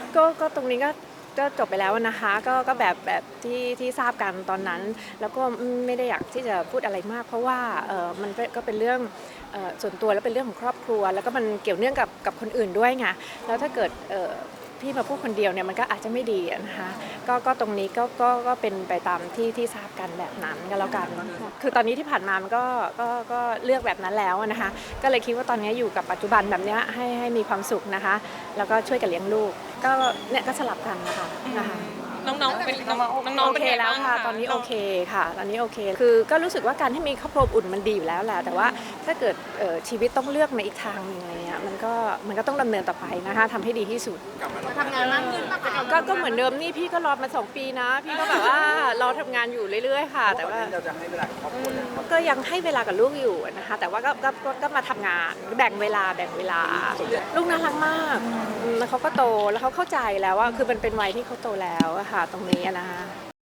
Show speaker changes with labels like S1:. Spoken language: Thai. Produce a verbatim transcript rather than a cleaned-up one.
S1: ก็ก็ตรงนี้ก็ก็จบไปแล้วนะคะก็ก็แบบแบบที่ที่ทราบกันตอนนั้น แล้วก็ไม่ได้อยากที่จะพูดอะไรมากเพราะว่าเออมันก็เป็นเรื่องเอ่อส่วนตัวแล้วเป็นเรื่องของครอบครัวแล้วก็มันเกี่ยวเนื่องกับกับคนอื่นด้วยไงแล้วถ้าเกิดเอ่อพี่มาพูดคนเดียวเนี่ยมันก็อาจจะไม่ดีนะคะก็ก็ตรงนี้ก็ก็ก็เป็นไปตามที่ที่ทราบกันแบบนั้นก็แล้วกันคือตอนนี้ที่ผ่านมามันก็ก็ก็เลือกแบบนั้นแล้วนะคะก็เลยคิดว่าตอนนี้อยู่กับปัจจุบันแบบนี้ให้ให้มีความสุขนะคะแล้วก็ช่วยกันเลี้ยงลูกก็เนี่ยก็สลับกันนะคะนะคะ
S2: น้องๆเป็นน้องๆ
S1: โอ
S2: เป็น
S1: เค
S2: ไง
S1: แล้ว
S2: บ้าง
S1: ค่ะตอนนี้โอเคค่ะตอนนี้โอเคคือก็รู้สึกว่าการที่มีครอบครัวอุ่นมันดีอยู่แล้วแหละแต่ว่าถ้าเกิดเอ่อชีวิตต้องเลือกในอีกทางหนึงอะไรเงี้ยมันก็มันก็ต้องดำเนินต่อไปนะคะทำให้ดีที่สุด
S3: ทำงานมากขึ้นปะคะ
S1: ก็ก็เหมือนเดิมนี่พี่ก็รอมาสองปีนะพี่ก็แบบว่ารอทำงานอยู่เรื่อยๆค่ะแต่ว่า
S4: เราจะให้เวลากับครอบครัวเนี่ยครับ
S1: ก็ยังให้เวลากับลูกอยู่นะคะแต่ว่าก็ก็ก็ก็มาทำงานแบ่งเวลาแบ่งเวลาลูกน่ารักมากอืมแล้วเขาก็โตแล้วเขาเข้าใจแล้วว่าคือมันเป็นวัยที่เขาโตแล้วอะค่ะตรงนี้อะนะคะ